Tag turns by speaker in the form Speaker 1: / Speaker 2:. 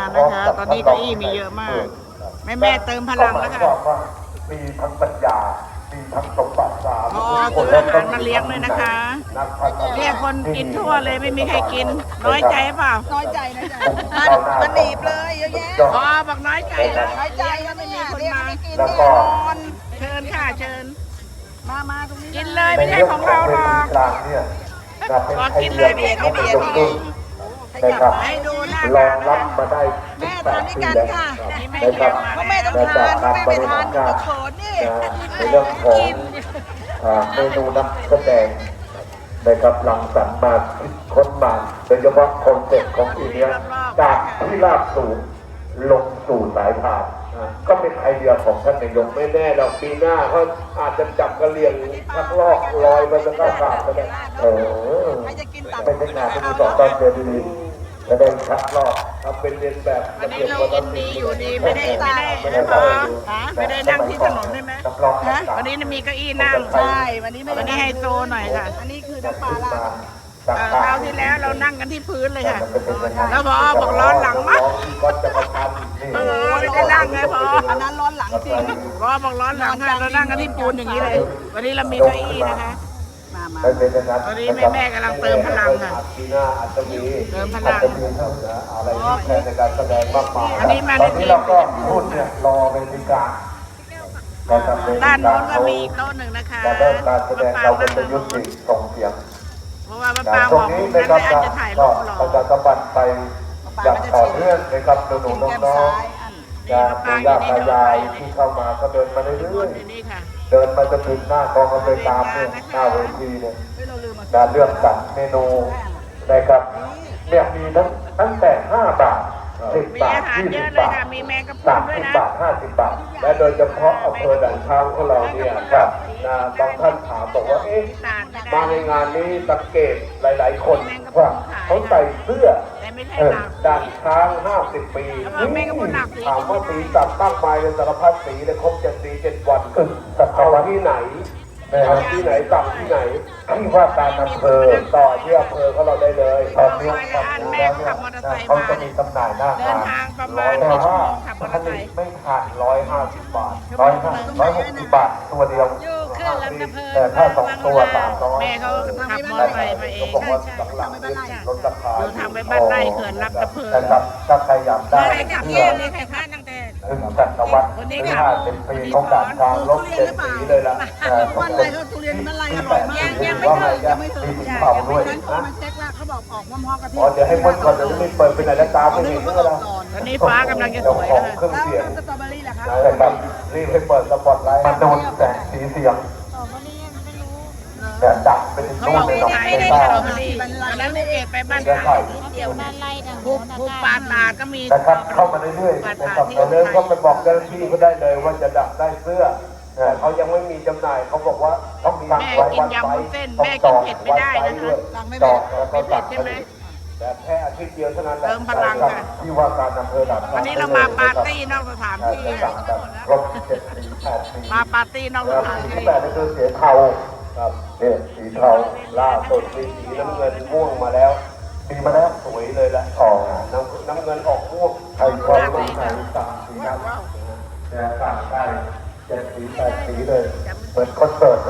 Speaker 1: นะคะตอนนี้เก้าอี้มีเยอะมากแม่เติมพลังแล้วค่ะ
Speaker 2: มีทั้งปัญญามีทั้งสมบัติสาม
Speaker 1: พอซื้ออาหารมาเลี้ยงเลยนะคะเรียกคนกินทั่วเลยไม่มีใครกินน้อยใจเปล่า
Speaker 3: น้อยใจนะจ๊ะมันหนีบเลยเยอะแยะ
Speaker 1: พอบอกน้อยใจแล้ว
Speaker 3: น้อยใจแล้วไม่มีคนมากิน
Speaker 2: แล้ว
Speaker 3: นี่
Speaker 2: ก็
Speaker 1: เชิญค่ะเชิญ
Speaker 3: มาตรงนี้
Speaker 1: กินเลยไม่ใช่ของเราหรอก
Speaker 2: กลางเนี่ยจะเป็น
Speaker 1: พอ
Speaker 2: ไอ
Speaker 1: กิน
Speaker 2: เดี
Speaker 1: เลย ยไม่ใช่
Speaker 2: ข
Speaker 1: ข
Speaker 2: อ
Speaker 1: อง ง
Speaker 2: เป็น
Speaker 1: เรา
Speaker 2: ยกขึ้นนะครับ
Speaker 1: ให้ดูหน้าร
Speaker 2: อง
Speaker 1: ตา
Speaker 2: รับมาได้
Speaker 3: แม่
Speaker 2: 18
Speaker 3: ทานด้วย
Speaker 2: ปี
Speaker 3: กัน
Speaker 2: แล้ว
Speaker 3: ค่ะ
Speaker 2: นะครับ
Speaker 3: เพราะแม่ต้องทานถ้าแม่ไม่ทานก็เขินนี่
Speaker 2: ในเรื่องของเมนูน้ำแสดงนะครับหลังสรรค์มาคิดค้นมาโดยเฉพาะคอนเซ็ปต์ของปีนี้จากที่ราบสูงลงสู่สายพานก็เป็นไอเดียของท่านนายกไม่แน่หรอกปีหน้าเขาอาจจะจับกระเลียงชักลอกลอยมาจะก้าวขาดก็ได้
Speaker 3: ใครจะกินตับ
Speaker 2: ไม่ใช่งานที่มีสองตอนเดือนดีจะได้ชักลอกทำเป็นเรียนแบบ
Speaker 1: วันนี้เรายินดีอยู่ดีไม่ได้นั่งที่ถนนใช่ไหมวันนี้มีเก้าอี้นั่ง
Speaker 3: ใช่วันนี้ไม่
Speaker 1: วัน
Speaker 3: ได้
Speaker 1: นี้ไฮโซหน่อยค่ะ
Speaker 3: อันนี้คือน้ำปลาลา
Speaker 1: คราวที่แล้วเรานั่งกันที่พื้นเลยค่ะแล้วพอบอกร้อนหลังมั้ง
Speaker 2: ก็จะมาทำ
Speaker 1: ไม่ได้นั่งไงพอ
Speaker 3: อันนั้นร้อนหลังจริง
Speaker 1: พอบอกร้อนหลังค่ะเรานั่งกันที่ปูนอย่างนี้เลย วันนี้เรามีเก้าอี้นะคะ
Speaker 3: มา
Speaker 1: ตอนนี้แม่กำลังเติมพลังค่ะ
Speaker 2: ปีหน้าอาจจะมี
Speaker 1: เติมพลัง
Speaker 2: อาจจะมีอะไรที่แทนในการแสดงมากมาย
Speaker 1: อันนี้มา
Speaker 2: ต
Speaker 1: ใน
Speaker 2: อน
Speaker 1: ที
Speaker 2: นี้
Speaker 1: ม
Speaker 2: เราก็พูดเนี่ยรอเป็นพิการ
Speaker 1: ด้านโน้นก็มีอีกโต๊ะหนึ่งนะคะ
Speaker 2: แต่เริ่มการแสดงเรา
Speaker 1: นั่
Speaker 2: เป็น
Speaker 1: ง
Speaker 2: ยุ
Speaker 1: ตรง
Speaker 2: ติ
Speaker 1: นู้น
Speaker 2: ส่งเสียง
Speaker 1: เพราะว่าป้า
Speaker 2: ต
Speaker 1: บ
Speaker 2: ร
Speaker 1: อง ก
Speaker 2: นี้
Speaker 1: นั่
Speaker 2: นะ
Speaker 1: น
Speaker 2: ครับ
Speaker 1: แม่อาจจะถ่ายรูปหรอ
Speaker 2: ประชาสัมพันธ์ไปอย่างต่อเนื่องนะครับหนูๆน้องๆปู่ย่าตายายที่เข้ามาก็เดินมาเรื่อย
Speaker 1: นี่ค่ะ
Speaker 2: ๆเดินมาจนถึงหน้ากองอำนวยการเนี่ยหน้าเวทีเนี่ย
Speaker 3: เราลืมมา
Speaker 2: การเลือกสรรเมนูนะครับเนี่ยมีตั้งแต่5 บาท10
Speaker 1: มี
Speaker 2: บาท
Speaker 1: อาหารเยอะ
Speaker 2: 20
Speaker 1: เลย
Speaker 2: บาท
Speaker 1: ค่ะมีแมงกะพรุนด้วย
Speaker 2: 30
Speaker 1: นะ
Speaker 2: บาท50 บาท และโดยเฉพาะอำเภอด่านช้างของเราเนี่ยครับบางท่านถามบอกว่าเอ๊ะมาในงานนี้สังเกตหลายๆ คนว่าเขาใส่เสื้อ
Speaker 1: แต่ไม่ใช่
Speaker 2: ด่านช้าง50 ปีถามว่าสีสันมากมายเลยสารพัดสีเลยครบ7 สี 7 วันเอาที่ไหนเอาที่ไหนสั่งที่ไหนที่ว่าการอำเภอต่อที่อำเภอเขาเราได้เลยตอนนี้แล้วเนี่ยเขาจะมีจำหน่ายหน้า
Speaker 1: เดิน
Speaker 2: งาน
Speaker 1: ทางประมาณ
Speaker 2: แต่
Speaker 1: กี่ชั่ว
Speaker 2: ว่า
Speaker 1: โมงขับมอเตอร์ไซค์
Speaker 2: ไม่ขาด150 บาท160 บาทตัวเดียวแต่ถ้า2 ตัว300
Speaker 1: แม่เขาขับมอเตอร์ไซค์มาเอง
Speaker 2: บอกว่าหลังๆลดราคา
Speaker 1: อยู่ทางไปบ้านไร่เขื่อนลำตะเพิง
Speaker 2: นะครับถ้าใครอยากได้
Speaker 1: ใครขับเที่ยวนี่ใครพลาดตั้งแต่
Speaker 2: ถึงจักรวรรดิที่50 ปีของด่านกลางลบ7 สีเลยล่ะ
Speaker 3: วันอะไรเขาทุเรียนมันอะไรอร่อยมากยังไม่ถึงยังไม่ถึงนั้นเขามาเช็คละเขาบอกออกพร้อมๆกับพี่
Speaker 2: อ๋อเดี๋ยวให้พ้นก่อนเดี๋ยวจะไม่เปิดไปไหนแล้วตามไม่เห็นก็แล้ว
Speaker 1: ตอนนี้ฟ้ากำลังจะสวยแล้วค่ะ
Speaker 2: เครื่อง
Speaker 3: แล้ว
Speaker 2: เสียง
Speaker 3: สตรอเบอรี่ล่ะคะ
Speaker 2: นะครับรีบให้เปิดสปอตไลท์มาโดนแสงสีเสียงแต่ดับไปถึง
Speaker 1: เขา
Speaker 2: นู่
Speaker 1: บ
Speaker 2: น
Speaker 1: อก
Speaker 2: เลย
Speaker 1: ไม่
Speaker 2: เนาะ
Speaker 1: ได้
Speaker 2: ไม่
Speaker 1: ส
Speaker 2: ได้
Speaker 1: ตรอเบอรี่วันนั้นเอกไปบ้าน
Speaker 2: จะ
Speaker 1: ตา
Speaker 2: ใส่
Speaker 4: เดี๋ยวบ้านไร่ทาง
Speaker 1: ผู้ปาดตาดก็มี
Speaker 2: นะครับเข้ามาเรื่อยๆนะครับเราเริ่มก็ไปบอกเจ้าหน้าที่เขาได้เลยว่าจะดับได้เสื้อแต่เขายังไม่มีจำหน่ายเขาบอกว่าต้องสั่งไว้วันไฟจองแล้วก็ตัดแต่แค่อาทิตย์เดียวเท่านั้นที่ว่าการอำเภอด่าน
Speaker 1: วันนี้เรามาปาร์ตี้นอกสถานที่
Speaker 2: สั่งแบบครบ7 ปี 8 ปี
Speaker 1: มาปาร์ตี้นอกสถาน
Speaker 2: สี
Speaker 1: ที่
Speaker 2: แบบนี้คือสีเทาครับเนี่ยสีเทาล่าสุดมีสีน้ำเงินม่วงมาแล้วมีมาแล้วสวยเลยละอ๋อน้ำเงินออกม่วงไทยคอยต้องใช้สั่งสีน้ำแต่สั่งได้7 สี 8 สีเลยเหมือนคอนเสิร์ต